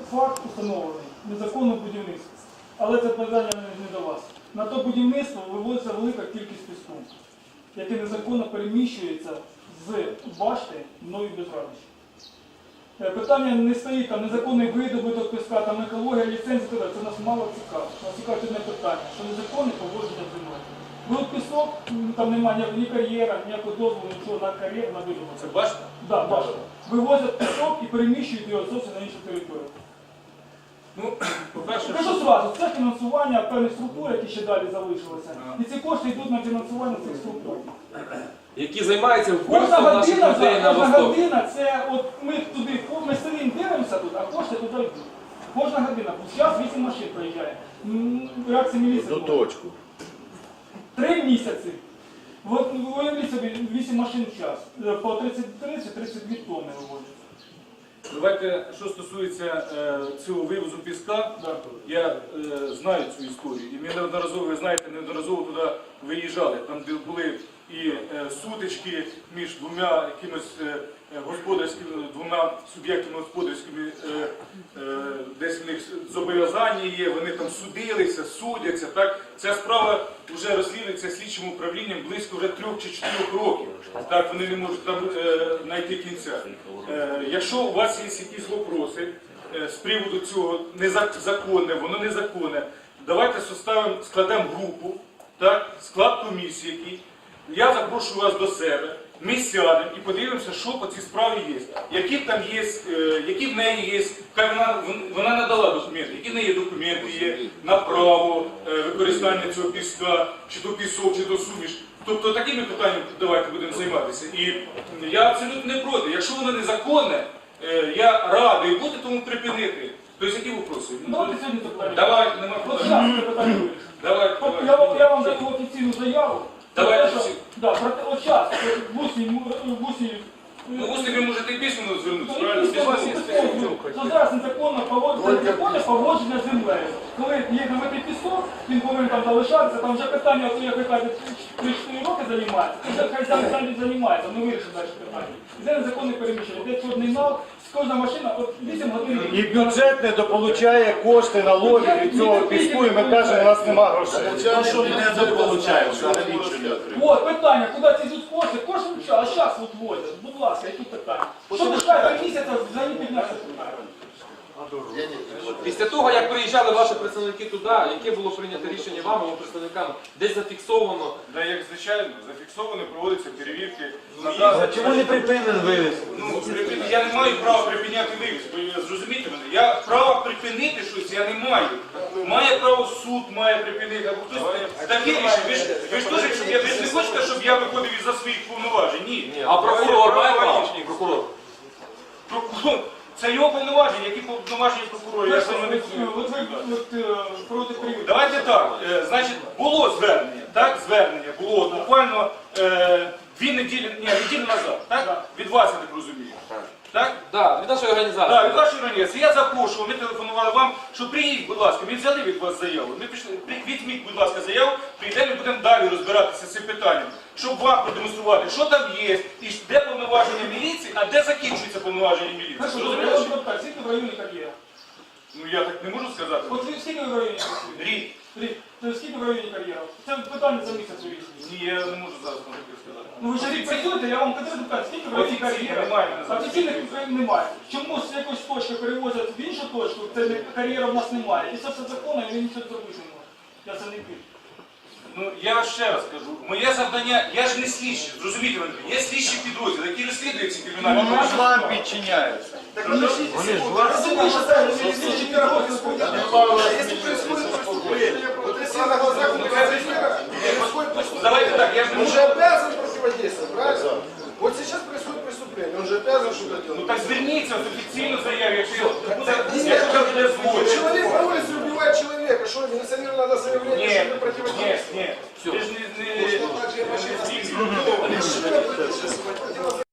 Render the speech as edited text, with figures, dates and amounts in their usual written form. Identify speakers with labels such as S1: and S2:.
S1: Факт установлений, незаконне будівництво. Але це питання не до вас. На то будівництво вивозиться велика кількість піску, яке незаконно переміщується з башти мною без радощів. Питання не стоїть, там незаконний видобуток піска, там екологія, ліцензія, це нас мало цікаво. Нас цікавить одне питання, що незаконне поводження землею. Вилут пісок, там немає ні кар'єра, ніякого дозволу, нічого на кар'єр, на видобуток.
S2: Це башта?
S1: Так, да, башта. Вивозять пісок і переміщують його зовсім на іншу територію.
S2: Ну, по-перше,
S1: Кажу зразу, це фінансування певних структур, які ще далі залишилися. І ці кошти йдуть на фінансування цих структур.
S3: Які займаються
S1: Кожна
S3: вбивством наших людей на
S1: кожна
S3: Востокі.
S1: година, це от ми туди, ми сидимо, дивимося тут, а кошти туди йдуть. Кожна година. Зараз 8 машин проїжджає. Реакція міліції.
S4: До точку.
S1: 3 місяці. От уявіть собі, 8 машин в час. По 33-32 тонни виводять.
S2: давайте, що стосується цього вивозу піска, я знаю цю історію. І ми неодноразово, ви знаєте, неодноразово туди виїжджали. Там де були і сутички між двома якимось господарськими, двома суб'єктами господарськими, десь в них зобов'язання є, вони там судилися, судяться. Так? Ця справа вже розслідується слідчим управлінням близько вже 3 чи 4 років. Так, вони не можуть там знайти кінця. Якщо у вас є якісь вопроси з приводу цього незаконне, воно незаконне, давайте складемо групу, так, склад комісії, який. Я запрошую вас до себе, ми сядемо і подивимося, що по цій справі є. Які там є, які в неї є, вона надала документи, які в неї документи є на право використання цього піска, чи то пісок, чи то суміш. Тобто такими питаннями давайте будемо займатися. І я абсолютно не проти. Якщо воно незаконне, я радий бути, тому припинити. Тобто які вопроси?
S1: Давайте сьогодні це питання.
S2: Давайте, нема
S1: От
S2: проблем.
S1: зараз це питання вирішимо.
S2: Давайте.
S1: Я вам даю офіційну заяву.
S2: Давайте.
S1: От зараз, в усі,
S2: Ну, ось ви можете і письменно звернутися,
S1: Ну,
S2: правильно?
S1: що зараз незаконне поводження з землею. Коли є намитий пісок, він повинен там залишатися, там вже питання, от як ви кажете, 3-4 роки займається, вже хай самі займається, ми вирішимо далі питання. І це незаконне переміщення, де чорний нал, кожна машина, от 8 годин.
S4: І бюджет недополучає кошти налогів від цього піску, і ми кажемо, у нас нема грошей.
S1: От питання, куди ці йдуть кошти? Кошти а зараз от возять, будь ласка, які питання? Що ви чекаєте місяця, взагалі піднесе питання?
S3: Після того, як приїжджали ваші представники туди, яке було прийнято рішення вам або представникам, десь зафіксовано?
S2: Да, як звичайно, зафіксовано, проводяться перевірки.
S4: Чому не припинен вивіз?
S2: Я не маю права припиняти вивіз, ви зрозумієте мене? Я права припинити щось я не маю. Має право суд, має припинити, або хтось таке рішення. Ви ж теж, ви не хочете, щоб я виходив із-за своїх повноважень? Ні.
S3: А прокурор має право? Прокурор.
S2: Прокурор. Це його повноваження, які повноваження прокурора. Я саме не
S1: Проти перевірки.
S2: Давайте так, значить, було звернення, так, звернення було буквально 2 неділі, неділю назад, так? Від вас, я так розумію. Так?
S3: Так, від нашої організації.
S2: Так, від вашої організації. Я запрошував, ми телефонували вам, що приїдь, будь ласка, ми взяли від вас заяву. Ми пішли, візьміть, будь ласка, заяву, прийдемо і будемо далі розбиратися з цим питанням, щоб вам продемонструвати, що там є, і де повноваження міліції, а де закінчується повноваження міліції. Розумієте?
S1: Скільки в районі кар'єра?
S2: Ну я так не можу сказати.
S1: От скільки ви в районі?
S2: Рік.
S1: Скільки в районі кар'єра? Це питання за місяць вирішується.
S2: Ні, я не можу зараз конкретно сказати.
S1: Ну ви ж рік працюєте, я вам конкретно питаю, скільки в районі
S2: Офіційно
S1: кар'єра?
S2: немає.
S1: Офіційних немає. Чому з якоїсь точки перевозять в іншу точку, це кар'єра в нас немає. І це все законно, і ви нічого зробити не можете. Я це не пишу.
S2: Ну, я ще раз кажу, моє завдання, я ж не слідчий, зрозумійте мене, є слідчий підрозділ, який розслідує ці кримінальні
S4: Вони ж вам підчиняються.
S1: Вони ж вас...
S2: Давайте так, я ж не
S5: Он
S2: можу.
S5: же обязан противодействовать, правильно? Вот сейчас происходит преступление, он же обязан что-то
S2: Ну
S5: делать.
S2: так зверніться в офіційну заяву, якщо буде злочин.
S5: Человек на улице убивает человека, что, несомненно, надо заявление,
S2: Ні,
S5: что это
S2: ні,
S5: противодействие?
S2: ні.